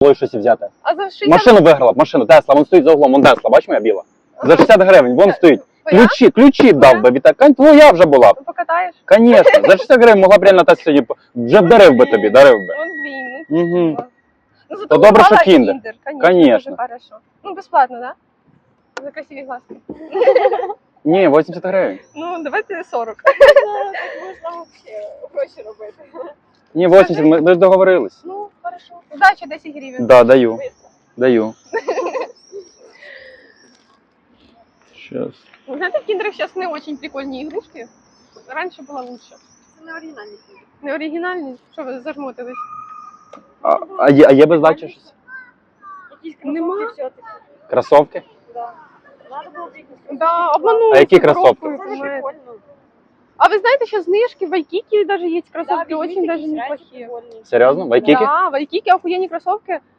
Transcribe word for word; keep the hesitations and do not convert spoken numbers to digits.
було щось взяти. А за шістдесят... Машину виграла б, машину, Тесла, вон стоїть за углом, вон Тесла, бач моя біла? За шістдесят гривень, вон стоїть. Твоя? Ключі, ключі б дав би, Віталій. Кань, твоя вже була б. Покатаєш? Конечно, за шістдесят гривень могла б реально Тесла сьогодні, вже б дарив би тобі, дарив би. Ну, блін, ну, Угу. ну, зато То добре, що попала Kinder. Kinder. Конечно, Конечно. дуже хорошо. Ну, безплатно, да? За красиві глазки. Ні, вісімдесят гривень. Ну, давайте сорок. Можна взагалі гроші робити. Ні, вісімдесят, ми, ми ж договорились. Ну, хорошо. Удачі, десять гривень. Да, даю, даю. Сейчас. Вы знаете, в киндерах сейчас не очень прикольные игрушки. Раньше было лучше. Це не оригінальні. Не оригінальні? Що ви зажмотились? А, а, є, а є без дачі щось? Якісь Нема. кросовки все-таки. Кросовки? Да. Надо було б якісь кросовки. Да, обманули. А які с Европой, кроссовки? Це ж понимаете. прикольно. А вы знаете, сейчас знижки в Вайкике даже есть Да, кроссовки, візьміть очень даже якісь реально неплохие. прикольні. Серйозно? Вайкіки? Да, в Вайкике охуенные кроссовки.